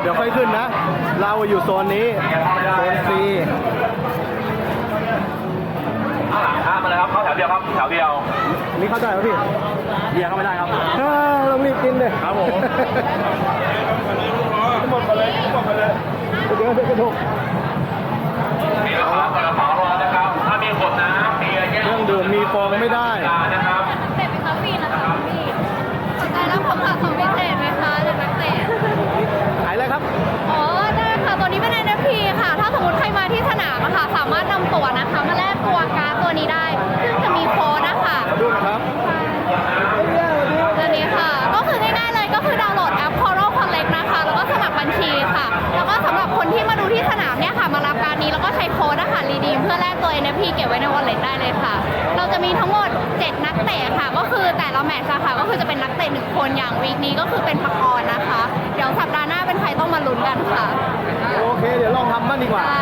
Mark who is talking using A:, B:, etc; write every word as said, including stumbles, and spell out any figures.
A: ดี๋ยวค่อยขึ้นนะ เราอยู่โซนนี้โซน C
B: ข้างหลังข้ามมาเลยครับเข้าแถวเดียวครับแถวเดียว
A: นี่เข้าใจไหมพี่
B: เบียร์เข้าไม่ได้ครับ
A: อ่าเรารีบกินเลย
B: ครับผม
A: หมดไปเลยหมดไปเลยเดี๋ยวเดี๋ยวกระทก
B: มีกระเป๋ากระเป๋ารอนะครับถ้ามีขวดน้ำเบียร์แก้ว
A: เครื่องดื่มมีฟองไม่ได้
B: นะครับ
C: เตะเป็นคาฟีนะคะพี่สนใจรับของฝากของพิเศษไหมคะจากนักเตะ
A: ขายอะไรครับ
C: อ๋อได้ค่ะตัวนี้เป็น เอ็น เอฟ พี ค่ะ ถ้าสมมติใครมาที่สนามอะค่ะ สามารถนำตั๋วนะคะมาแลกตัวการ์ดตัวนี้ได้ ซึ่งจะมีโค้ดนะคะ
A: ดูนะครับ
C: ตัวนี้ค่ะ ก็คือง่ายๆเลยก็คือดาวน์โหลดแอป Coral Collect นะคะ แล้วก็สมัครบัญชีค่ะ แล้วก็สำหรับคนที่มาดูที่สนามเนี่ยค่ะ มารับการ์ดนี้แล้วก็ใช้โค้ดนะคะรีดีมเพื่อแลกตัว เอ็น เอฟ พี เก็บไว้ใน wallet ได้เลยค่ะ เราจะมีทั้งหมด เจ็ด นักเตะค่ะ ก็คือแต่ละแมตช์อะค่ะ ก็คือจะเป็นนักเตะหนึ่งคนอย่างวีคนี้ก็คือเป็นปากรนะคะ เดี๋ยวสัปดาห์หน้าเป็นใครต้องมาลุ้นกันค่ะ
A: โอเค เดี๋ยวลองทำบ้างดีกว่า
C: ได้